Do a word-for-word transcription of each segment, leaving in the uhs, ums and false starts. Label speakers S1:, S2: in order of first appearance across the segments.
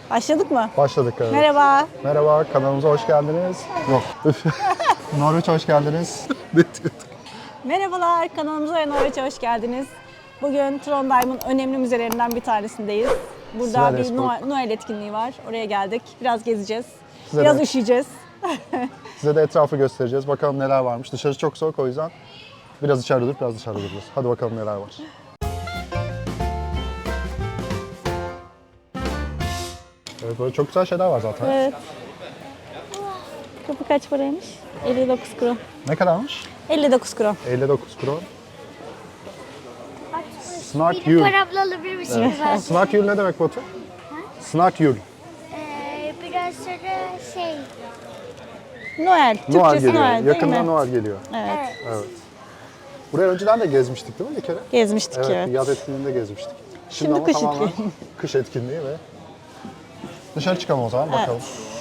S1: Başladık mı?
S2: Başladık evet.
S1: Merhaba.
S2: Merhaba, kanalımıza hoş geldiniz. Yok. Norveç hoş geldiniz. Ne diyorduk?
S1: Merhabalar, kanalımıza ve Norveç'e hoş geldiniz. Bugün Trondheim'ın önemli müzelerinden bir tanesindeyiz. Burada bir
S2: Sverresborg.
S1: Noel, Noel etkinliği var. Oraya geldik. Biraz gezeceğiz.
S2: Size
S1: Biraz
S2: de-
S1: üşüyeceğiz.
S2: Size de etrafı göstereceğiz. Bakalım neler varmış. Dışarı çok soğuk, o yüzden biraz içeride durup biraz dışarıda duracağız. Hadi bakalım neler var. Evet, böyle çok güzel şeyler var zaten.
S1: Evet. Kapı kaç paraymış? elli dokuz kron.
S2: Ne kadarmış?
S1: elli dokuz kron.
S2: elli dokuz kron. Snart
S3: Bir de
S2: Yul.
S3: paramla alabilir misiniz? Evet.
S2: Snart Yul ne demek Batu? Snart Yul.
S3: Ee, biraz sonra şey,
S1: Noel.
S2: Noel
S1: Türkçesi
S2: geliyor.
S1: Noel değil
S2: Yakında
S1: mi?
S2: Noel geliyor.
S1: Evet.
S3: evet.
S2: Evet. Buraya önceden de gezmiştik değil mi bir kere?
S1: Gezmiştik
S2: Evet,
S1: evet.
S2: bir yaz etkinliğinde gezmiştik.
S1: Şimdi
S2: ama
S1: kış
S2: tamamen
S1: etkinliği.
S2: kış etkinliği ve dışarı çıkalım o zaman bakalım.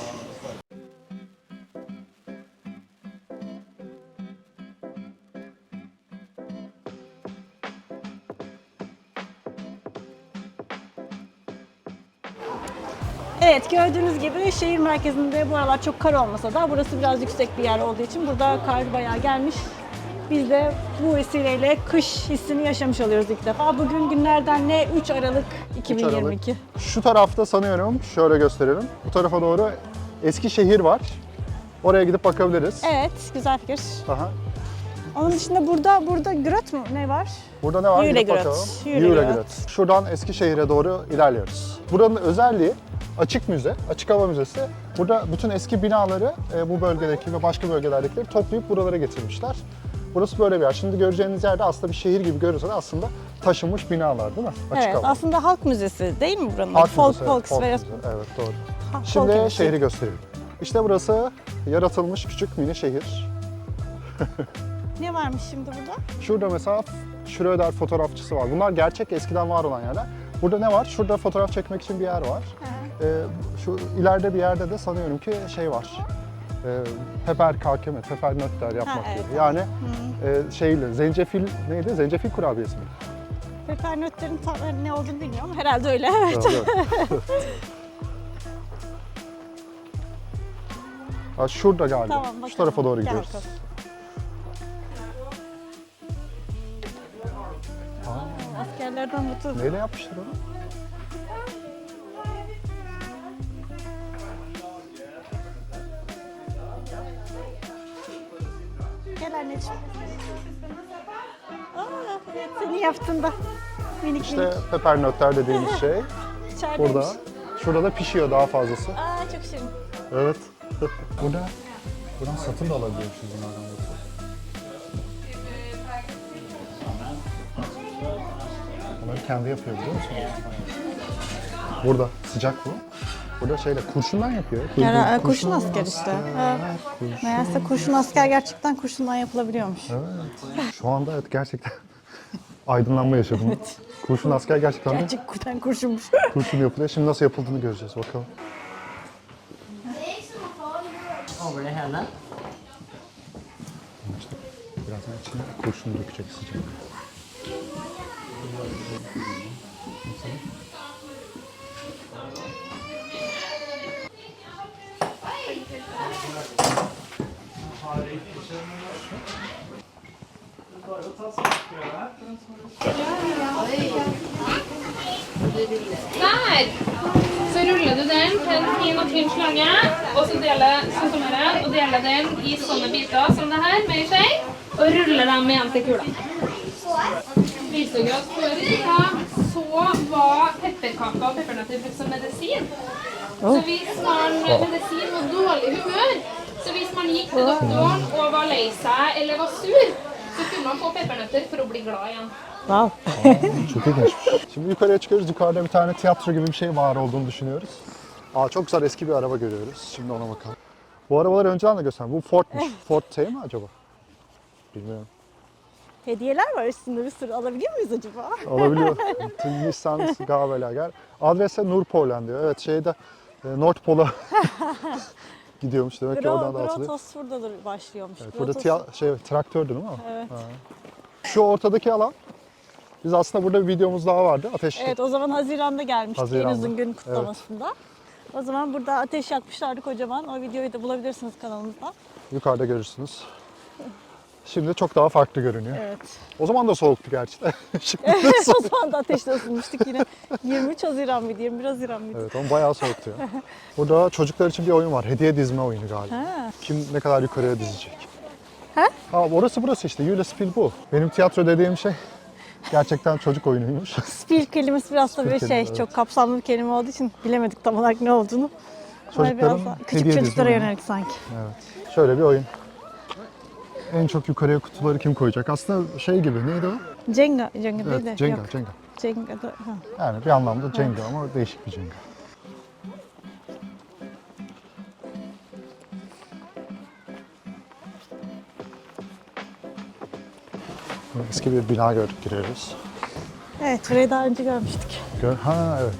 S1: Evet, gördüğünüz gibi şehir merkezinde bu aralar çok kar olmasa da burası biraz yüksek bir yer olduğu için burada kar bayağı gelmiş. Biz de bu vesileyle kış hissini yaşamış oluyoruz ilk defa. Bugün günlerden ne? üç Aralık iki bin yirmi iki.
S2: Şu tarafta sanıyorum, şöyle gösterelim. Bu tarafa doğru Eskişehir var. Oraya gidip bakabiliriz.
S1: Evet, güzel fikir.
S2: Aha.
S1: Onun dışında burada burada Gröt mu ne var?
S2: Burada ne var? Gidip
S1: Julegröt.
S2: bakalım.
S1: Julegröt.
S2: Julegröt. Şuradan Eskişehir'e doğru ilerliyoruz. Buranın özelliği açık müze, açık hava müzesi. Burada bütün eski binaları e, bu bölgedeki ve başka bölgelerdekileri toplayıp buralara getirmişler. Burası böyle bir yer. Şimdi göreceğiniz yerde aslında bir şehir gibi görünse de aslında taşınmış binalar değil mi? Açık
S1: Evet,
S2: hava.
S1: aslında halk müzesi değil mi buranın?
S2: Halk
S1: Folk,
S2: müzesi,
S1: folk,
S2: folk
S1: Sverige-
S2: müzesi. Evet doğru.
S1: Ha, folk
S2: Şimdi
S1: müzesi.
S2: şehri göstereyim. İşte burası yaratılmış küçük mini şehir.
S1: Ne varmış şimdi burada?
S2: Şurada mesela Schröder fotoğrafçısı var. Bunlar gerçek eskiden var olan yerler. Burada ne var? Şurada fotoğraf çekmek için bir yer var. Ee, şu ileride bir yerde de sanıyorum ki şey var. Ee, Pepper kakeme, pepper nötter yapmak
S1: Ha, evet,
S2: gibi. Yani e, şeyle, zencefil neydi? Zencefil kurabiyesi mi?
S1: Pepernötlerin tam ne olduğunu bilmiyorum. Herhalde öyle. Evet.
S2: Evet, evet. Ha, şurada galiba.
S1: Tamam, bakalım.
S2: Şu tarafa doğru
S1: Gel
S2: gidiyoruz.
S1: bakalım. Askerlerden mutlu.
S2: Neyle yapmışlar onu?
S1: Gel anneciğim. Aa, evet, seni yaptın da. Minik
S2: İşte
S1: minik.
S2: pepper nötter dediğimiz şey
S1: İçerideymiş.
S2: burada. Şurada da pişiyor daha fazlası.
S1: Aa, çok şirin.
S2: Evet. Burada buradan satın da alabiliyormuşuz bunlardan. Bunları kendi yapıyor biliyor musun? Burada sıcak bu. Burada şeyle kurşundan yapıyor. Kurşun,
S1: Yani, kurşun asker işte. Ha.
S2: kurşun.
S1: Meğerse kurşun asker gerçekten kurşundan yapılabiliyormuş.
S2: Evet. Şu anda evet gerçekten aydınlanma yaşadım. Kurşun asker gerçekten de
S1: Gerçekten kurşunmuş.
S2: kurşun yapılıyor. Şimdi nasıl yapıldığını göreceğiz bakalım.
S4: Over det hela.
S2: İşte birazdan içine kurşunu dökecek sıcak.
S5: Der! Så ruller du den til en fin og tynn slange, og så deler, sånn som her, og deler den i sånne biter som det her, med en skje, og ruller dem igjen til kula. Risogras før i tida, så var pepperkaker og peppernøtter brukt som medisin. Så hvis man medisin var dårlig humør, så hvis man gikk til doktoren og var lei seg eller var sur, så kunne man få peppernøtter for å bli glad igjen.
S1: Wow.
S2: Çok ilginç. Şimdi yukarıya çıkıyoruz. Yukarıda bir tane tiyatro gibi bir şey var olduğunu düşünüyoruz. Aa, çok güzel eski bir araba görüyoruz. Şimdi ona bakalım. Bu arabaları önceden de gösterdim. Bu Ford'muş. Ford T mi acaba? Bilmiyorum.
S1: Hediyeler var üstünde bir sürü. Alabiliyor muyuz acaba?
S2: Olabiliyor. Nissan Gabelager. Adrese Nordpolen diyor. Evet şeyde e, Nordpol'a gidiyormuş demek ki oradan da
S1: Gro-
S2: atılıyor.
S1: Grotos burada başlıyormuş.
S2: Evet, burada
S1: Grotos-
S2: tiya- şey traktördü değil mi?
S1: Evet.
S2: Ha. Şu ortadaki alan. Biz aslında burada bir videomuz daha vardı. Ateş.
S1: Evet, o zaman Haziran'da gelmiştik en
S2: Haziran'da,
S1: uzun gün kutlamasında. O zaman burada ateş yakmışlardı kocaman. O videoyu da bulabilirsiniz kanalımızda.
S2: Yukarıda görürsünüz. Şimdi çok daha farklı görünüyor.
S1: Evet.
S2: O zaman da soğuktu gerçi de. Şimdi de
S1: o
S2: soğuk.
S1: zaman da ateşte ısınmıştık yine. yirmi üç Haziran mıydı? yirmi bir Haziran mıydı?
S2: Evet ama bayağı soğuktu ya. Burada çocuklar için bir oyun var. Hediye dizme oyunu galiba.
S1: Ha.
S2: Kim ne kadar yukarıya dizecek.
S1: Ha?
S2: Ha orası burası işte. Julespiel bu. Benim tiyatro dediğim şey gerçekten çocuk oyunuymuş.
S1: Spiel kelimesi biraz da
S2: Spiel
S1: böyle şey,
S2: kelime, evet.
S1: çok kapsamlı bir kelime olduğu için bilemedik tam olarak ne olduğunu. Ama
S2: Çocukların
S1: biraz daha küçük
S2: hediye
S1: çocuklara
S2: dizimi.
S1: yönelik sanki.
S2: Evet. Şöyle bir oyun. En çok yukarıya kutuları kim koyacak? Aslında şey gibi neydi o?
S1: Jenga, Jenga değil de.
S2: Evet, Jenga,
S1: Yok.
S2: Jenga.
S1: Jenga da. Ha.
S2: Yani bir anlamda Jenga ama değişik bir Jenga. Eski bir bina gördük, giriyoruz.
S1: Evet, burayı daha önce görmüştük.
S2: Gör ha evet.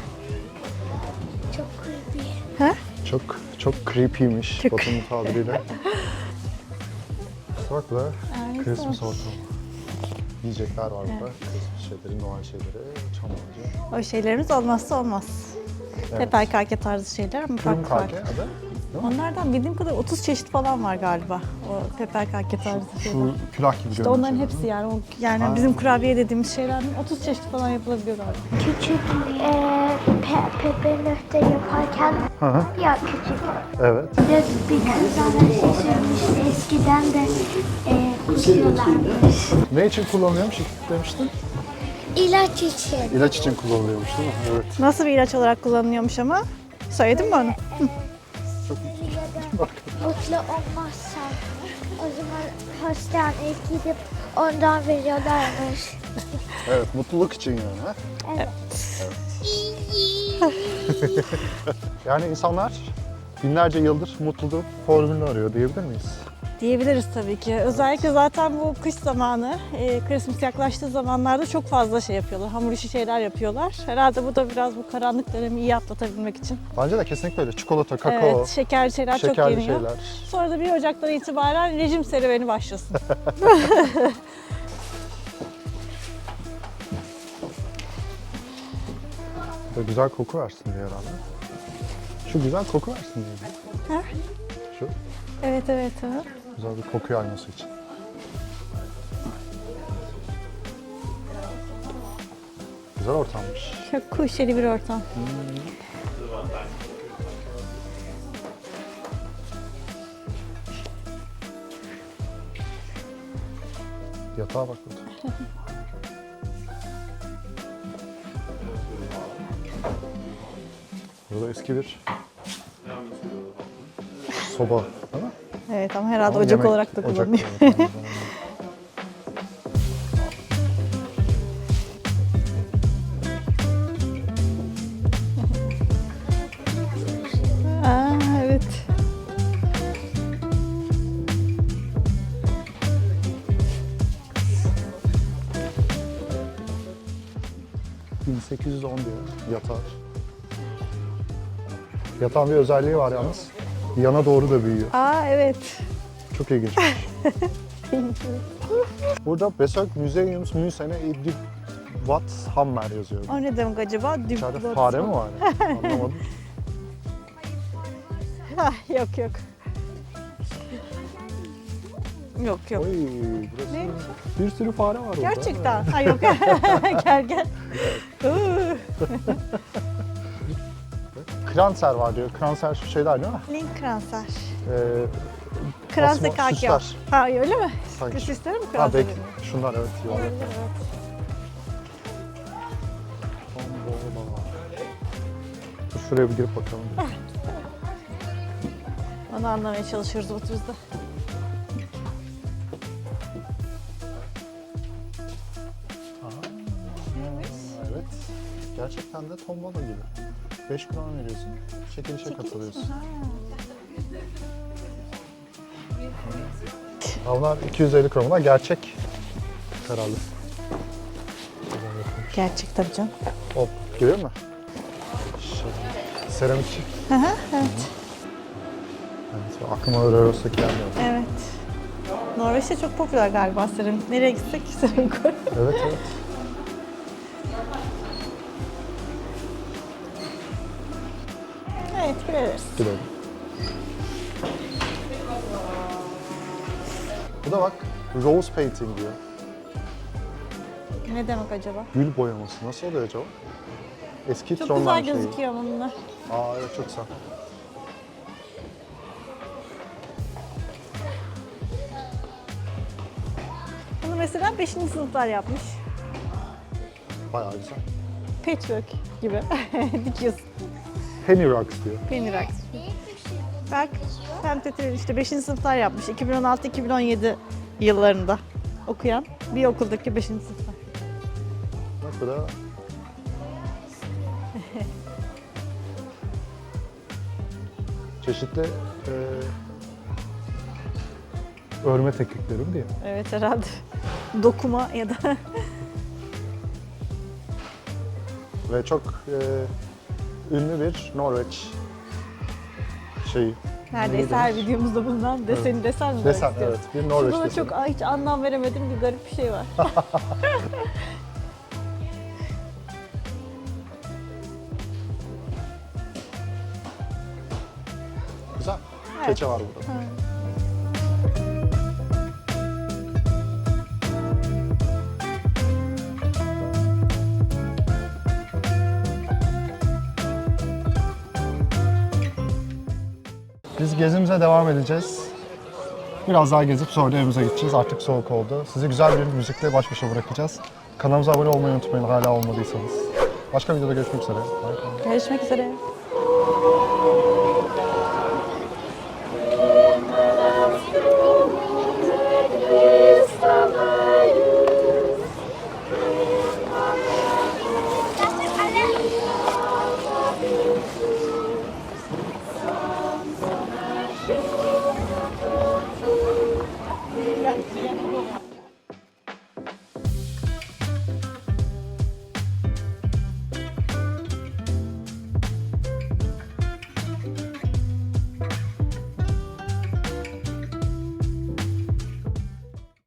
S3: Çok creepy.
S1: Ha?
S2: Çok çok creepy'miş
S1: Çok.
S2: Batu'nun tabiriyle. Bak burada
S1: Ay,
S2: Christmas
S1: güzel.
S2: ortamı. Yiyecekler var burada. Christmas şeyleri, Noel şeyleri, çam ağacı.
S1: O şeylerimiz olmazsa olmaz.
S2: Evet.
S1: Teperkake tarzı şeyler ama farklı
S2: Kırmkake
S1: farklı.
S2: adı. Değil mi?
S1: Onlardan bildiğim kadar otuz çeşit falan var galiba. O teperkake tarzı şeyler.
S2: Şu külah gibi
S1: İşte
S2: görünen
S1: onların
S2: şeyler,
S1: hepsi
S2: değil mi?
S1: yani. O, yani
S2: Ha.
S1: bizim kurabiye dediğimiz şeylerden otuz çeşit falan yapılabiliyor galiba.
S3: Küçük e, pe, pepe nöfte yaparken
S2: Hı hı.
S3: ya küçük.
S2: Evet.
S3: Bir de bir kız bana şey söylemişti. Eskiden de e, kullanıyorlarmış.
S2: Ne için kullanılıyormuş demiştin?
S3: İlaç için.
S2: İlaç için kullanılıyormuş değil mi? Evet.
S1: Nasıl bir ilaç olarak kullanılıyormuş ama? Söyledin mi onu?
S3: Mutlu olmazsan o zaman hastaneye gidip ondan veriyorlarmış.
S2: Evet, mutluluk için yani. Ha?
S3: Evet.
S2: Yani insanlar binlerce yıldır mutluluk formülünü arıyor diyebilir miyiz?
S1: Diyebiliriz tabii ki. Özellikle zaten bu kış zamanı, e, Christmas yaklaştığı zamanlarda çok fazla şey yapıyorlar. Hamur işi şeyler yapıyorlar. Herhalde bu da biraz bu karanlık dönemi iyi atlatabilmek için.
S2: Bence de kesinlikle öyle. Çikolata, kakao,
S1: Evet, şekerli şeyler çok
S2: şekerli
S1: yeniyor.
S2: şeyler.
S1: Sonra da bir Ocak'tan itibaren rejim serüveni başlasın.
S2: Böyle güzel koku versin diye herhalde. Şu güzel koku versin diye.
S1: Ha?
S2: Şu
S1: Evet, evet. Ha.
S2: güzel bir koku yayması için. Güzel ortammış.
S1: Çok kuşeli bir ortam.
S2: Yatağa bak burada. Burada eski bir soba değil mi?
S1: Evet ama herhalde
S2: Ama
S1: ocak
S2: yemek-
S1: olarak da
S2: ocak
S1: kullanılıyor.
S2: olarak kullanılıyor.
S1: Aa, evet.
S2: bin sekiz yüz on diyor yatağı. Yatağın bir özelliği var yalnız. Yana doğru da büyüyor.
S1: Aa, evet.
S2: Çok ilginç. Burada Besök Museums Müsene İddi Wat Hammer yazıyor.
S1: O ne demek acaba?
S2: İçeride
S1: Diplomat.
S2: fare mi var? Anlamadım.
S1: Ah, yok yok. Yok yok.
S2: Oy, burası
S1: Neymiş
S2: bir sürü fare var burada.
S1: Gerçekten. Ha yok. Gel gel. Uuu.
S2: Kranser var diyor. Kranser şu şeyler değil mi?
S1: Link Kranser.
S2: Ee,
S1: Kranser
S2: asma-
S1: kakio.
S2: süsler.
S1: Ha öyle mi?
S2: Sanki.
S1: Süsleri mi
S2: Ha
S1: Kranser?
S2: belki şunlar evet. Yuvarlak.
S1: Olabilir, evet.
S2: Tombola. Dur şuraya bir girip bakalım.
S1: Onu anlamaya çalışıyoruz oturuzda.
S2: Evet. Gerçekten de tombola gibi. beş kron veriyorsun. Çekilişe katılıyorsun. Ha, bunlar iki yüz elli kron. Bunlar gerçek herhalde.
S1: Gerçek tabii canım.
S2: Hop, görüyor musun? Şey, seramik.
S1: Hı hı, evet.
S2: Evet, aklıma Röros'taki gelmiyor.
S1: Evet. Norveç'te çok popüler galiba seramik. Nereye gitsek seramik var.
S2: Evet, evet.
S1: Evet, gideriz.
S2: Gidelim. Bu da bak, rose painting diyor.
S1: Ne demek acaba?
S2: Gül boyaması. Nasıl oluyor acaba? Eski
S1: Çok
S2: Trondheim
S1: güzel
S2: şeyi.
S1: gözüküyor ama bunlar.
S2: Aa evet, çok güzel.
S1: Bunu mesela beşinci sınıflar yapmış.
S2: Bayağı güzel.
S1: Patchwork gibi. Dikiyorsun.
S2: Penny Rocks diyor.
S1: Penny Rocks. Bak, Femtet'in işte beşinci sınıflar yapmış. iki bin on altı iki bin on yedi yıllarında okuyan bir okuldaki beşinci sınıflar.
S2: Bak bu da... Çeşitli e, örme teknikleri mi diye.
S1: Evet herhalde. Dokuma ya da
S2: Ve çok e, ünlü bir Norveç şeyi.
S1: neredeyse her videomuzda bulunan deseni desen mi?
S2: Desen,
S1: demek
S2: evet.
S1: istiyorsun?
S2: Bir Norveç
S1: Şurada da
S2: deseni.
S1: çok hiç anlam veremedim bir garip bir şey var.
S2: Güzel.
S1: Evet.
S2: Keçe var burada. Biz gezimize devam edeceğiz. Biraz daha gezip sonra da evimize gideceğiz. Artık soğuk oldu. Sizi güzel bir müzikle baş başa bırakacağız. Kanalımıza abone olmayı unutmayın hala olmadıysanız. Başka videoda görüşmek üzere. Bye bye.
S1: Görüşmek üzere.